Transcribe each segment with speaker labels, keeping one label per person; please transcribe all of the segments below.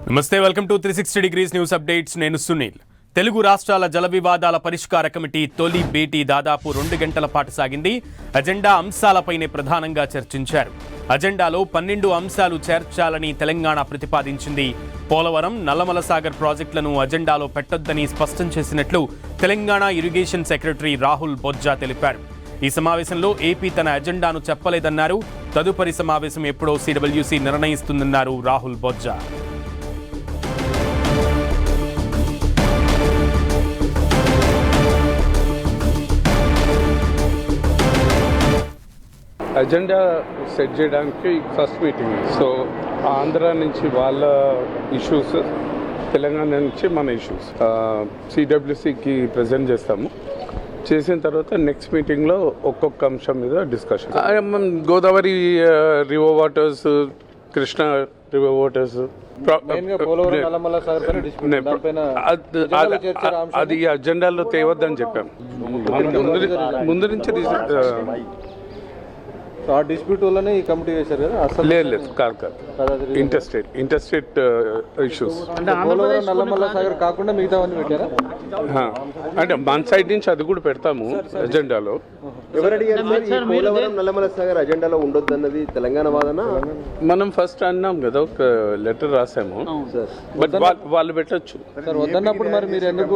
Speaker 1: నమస్తే, welcome to 360 degrees news updates. నేను సునీల్. తెలుగు రాష్ట్రాల జల వివాదాల పరిష్కార కమిటీ తొలి భేటీ దాదాపు 2 గంటల పాటు సాగింది. అజెండా అంశాలపైనే ప్రధానంగా చర్చించారు. అజెండాలో 12 అంశాలు చేర్చాలని తెలంగాణ ప్రతిపాదించింది. పోలవరం, నల్లమల సాగర్ ప్రాజెక్టులను అజెండాలో పెట్టొద్దని స్పష్టం చేసినట్లు తెలంగాణ ఇరిగేషన్ సెక్రటరీ రాహుల్ బొజ్జా తెలిపారు. ఈ సమావేశంలో ఏపీ తన అజెండాను చెప్పలేదన్నారు. తదుపరి సమావేశం ఎప్పుడో సిడబ్ల్యూసీ నిర్ణయిస్తుందన్నారు రాహుల్ బొజ్జా.
Speaker 2: అజెండా సెట్ చేయడానికి ఫస్ట్ మీటింగ్. సో ఆంధ్ర నుంచి వాళ్ళ ఇష్యూస్, తెలంగాణ నుంచి మన ఇష్యూస్ సిడబ్ల్యూసికి ప్రజెంట్ చేస్తాము. చేసిన తర్వాత నెక్స్ట్ మీటింగ్లో ఒక్కొక్క అంశం మీద discussion. Godavari river waters, Krishna river waters, అది అజెండాలో తేవద్దని చెప్పాం. ముందు నుంచి
Speaker 3: ఆ డిస్ప్యూట్ వల్లనే ఈ కమిటీ వేశారు కదా? అసలు
Speaker 2: లేదు, కాదు. ఇంటర్స్టేట్ ఇష్యూస్
Speaker 3: నల్లమల్ల సాగర్ కాకుండా మిగతావన్నీ పెట్టారా?
Speaker 2: అంటే మన సైడ్ నుంచి అది కూడా పెడతాము అజెండాలో.
Speaker 4: నల్లమల సాగర్ అజెండాలో ఉండొద్దు అన్నది తెలంగాణ వాదన.
Speaker 2: మనం ఫస్ట్ అన్నాం కదా, ఒక లెటర్ రాసాము, బట్ వాళ్ళు పెట్టచ్చు.
Speaker 3: వద్దన్నప్పుడు మరి మీరు ఎందుకు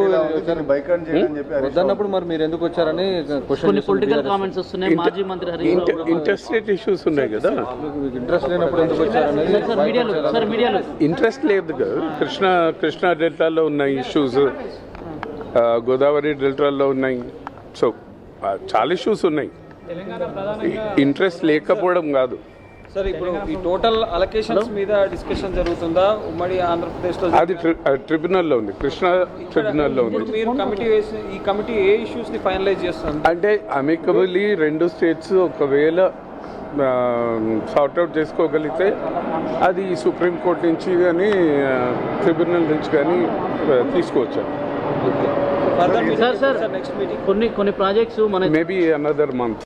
Speaker 3: వచ్చారని
Speaker 5: పొలిటికల్ కామెంట్స్ వస్తున్నాయి. మాజీ మంత్రి
Speaker 2: ఇంటర్స్టేట్ ఇష్యూస్ ఉన్నాయి కదా,
Speaker 3: ఇంట్రెస్ట్ లేనప్పుడు ఎందుకు వచ్చారని.
Speaker 2: ఇంట్రెస్ట్ లేదు కదా. కృష్ణా డెల్టాలో ఉన్న ఇష్యూస్, గోదావరి డెల్టాలో ఉన్నాయి. సో చాలా ఇష్యూస్ ఉన్నాయి. ఇంట్రెస్ట్ లేకపోవడం కాదు.
Speaker 6: సార్, ఇప్పుడు ఈ టోటల్ అలొకేషన్స్ మీద డిస్కషన్ జరుగుతుందా ఉమ్మడి ఆంధ్రప్రదేశ్ లో?
Speaker 2: అది ట్రిబ్యునల్లో ఉంది, కృష్ణా ట్రిబ్యునల్లో ఉంది.
Speaker 6: మీరు కమిటీ వేసి ఈ కమిటీ ఏ ఇష్యూస్ ని ఫైనలైజ్ చేస్తుంది?
Speaker 2: అంటే అమికబుల్లీ 2 స్టేట్స్ ఒకవేళ సార్ట్అవుట్ చేసుకోగలిగితే అది సుప్రీంకోర్టు నుంచి కానీ ట్రిబ్యునల్ నుంచి కానీ తీసుకోవచ్చు.
Speaker 5: నెక్స్ట్ మీటింగ్ కొన్ని ప్రాజెక్ట్స్
Speaker 2: మేబీ అనదర్ మంత్.